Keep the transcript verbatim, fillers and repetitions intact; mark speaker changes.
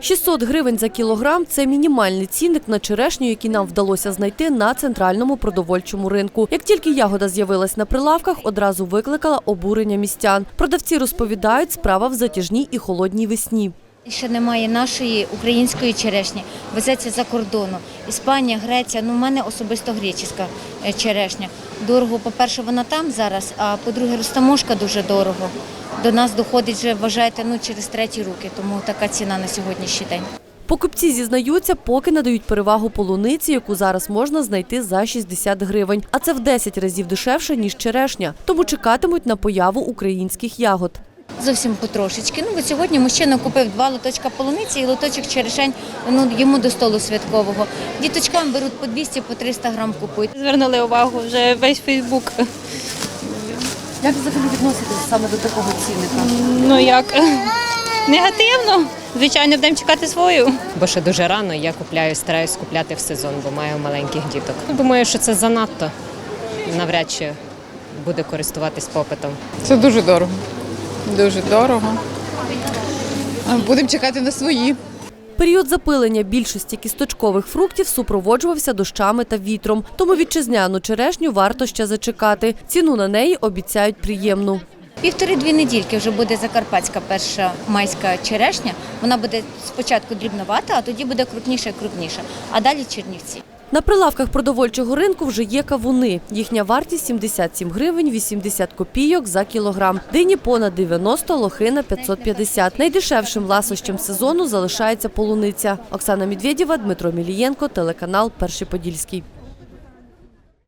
Speaker 1: шістсот гривень за кілограм – це мінімальний цінник на черешню, який нам вдалося знайти на центральному продовольчому ринку. Як тільки ягода з'явилась на прилавках, одразу викликала обурення містян. Продавці розповідають, справа в затяжній і холодній весні.
Speaker 2: Ще немає нашої української черешні, везеться за кордону. Іспанія, Греція, ну в мене особисто греческа черешня. Дорого, по-перше, вона там зараз, а по-друге, розтаможка дуже дорого. До нас доходить вже, вважаєте, ну через треті руки, тому така ціна на сьогоднішній день.
Speaker 1: Покупці зізнаються, поки надають перевагу полуниці, яку зараз можна знайти за шістдесят гривень. А це в десять разів дешевше, ніж черешня. Тому чекатимуть на появу українських ягод.
Speaker 2: Зовсім потрошечки. Ну, от сьогодні мужчина купив два лоточка полуниці і лоточок черешень, ну, йому до столу святкового. Діточкам беруть по двісті, по триста грам купують.
Speaker 3: Звернули увагу вже весь Фейсбук.
Speaker 1: Як взагалі відноситесь саме до такого цінника?
Speaker 3: Ну як, негативно. Звичайно, будемо чекати свою.
Speaker 4: Бо ще дуже рано, я купляю, стараюсь купляти в сезон, бо маю маленьких діток. Думаю, що це занадто. Навряд чи буде користуватись попитом.
Speaker 5: Це дуже дорого. Дуже дорого. Будемо чекати на свої.
Speaker 1: Період запилення більшості кісточкових фруктів супроводжувався дощами та вітром. Тому вітчизняну черешню варто ще зачекати. Ціну на неї обіцяють приємну.
Speaker 2: Півтори-дві недільки вже буде закарпатська перша майська черешня. Вона буде спочатку дрібновата, а тоді буде крупніша і крупніша. А далі Чернівці.
Speaker 1: На прилавках продовольчого ринку вже є кавуни. Їхня вартість – сімдесят сім гривень вісімдесят копійок за кілограм. Дині понад дев'яносто, лохина – п'ятсот п'ятдесят. Найдешевшим ласощем сезону залишається полуниця. Оксана Медведєва, Дмитро Мілієнко, телеканал «Перший Подільський».